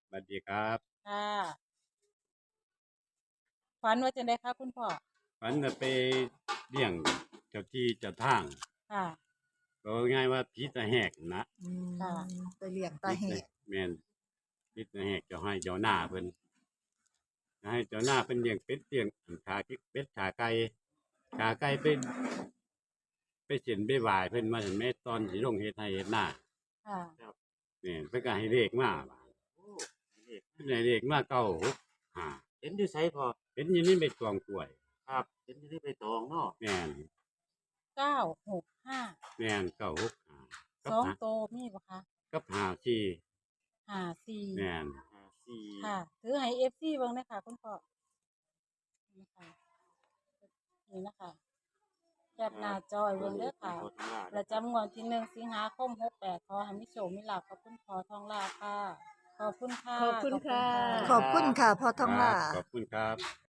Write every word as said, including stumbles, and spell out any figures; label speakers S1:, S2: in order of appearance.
S1: สวัสดีครับ
S2: ค่ะฝันว่าจะได้ค่ะคุณพ่อ
S1: ฝันจะไปเลี้ยงเจ้าที่เจ้าทาง
S2: ค่ะ
S1: ก็ง่ายว่าผีตาแหกนะ
S3: อืม
S2: ค่ะ
S3: ไปเลี้ยงตา
S1: ผี
S3: แห
S1: ตา
S3: ก
S1: แม่นผีตาแหกเจ้าให้เจ้าหน้าเพิ่นให้เจ้าหน้าเพิ่นเลี้ยงเป็ดเลี้ยงขาเป็ดขาไก่ขาไก่เป็นไปเส้นไปไหว้เพิ่นมาเห็นแม่ตอนสิลงเฮ็ดให้เฮ็ดหน้า
S2: ค่ะ
S1: นี่นเพิ่นก็ให้เลขมาบาด
S4: โอ้เลข
S1: เพิ่นให้เลขมาเก้าหกห้า
S4: เห็นอยู่ไสพอ
S1: เป็นอยู่ในใบตองกล้วย
S4: ครับเห็นอยู่ที่ใบตองเนาะ
S1: แม่น
S2: เก้าหกห้า
S1: แม่นเก้าหกห้ากับ
S2: สอง
S1: หา
S2: โตมีปะคะ
S1: กับห้าสี่
S2: ห้าสี่
S1: แม่น
S4: ห้าสี่
S2: ค่ะถือให้เอฟซีเบิ่งนะคะคุณพ่อนี่ค่ะนี่นะคะแคปหน้าจอยเบิ่งเด้อค่ะประจำงวดที่หนึ่งสิงหาคมหกแปดขอให้มิโชคมิลาภกับคุณพ่อทองลาค่ะขอบคุณค่ะ
S3: ขอบคุณค่ะ
S2: ข
S3: ข
S2: อ
S3: อ
S2: บบ คุ
S3: คุณ ณ
S2: ค่ะ
S3: ค่ะพ่อทอง
S1: ครั
S3: ล่า
S1: บขอบคุณครับ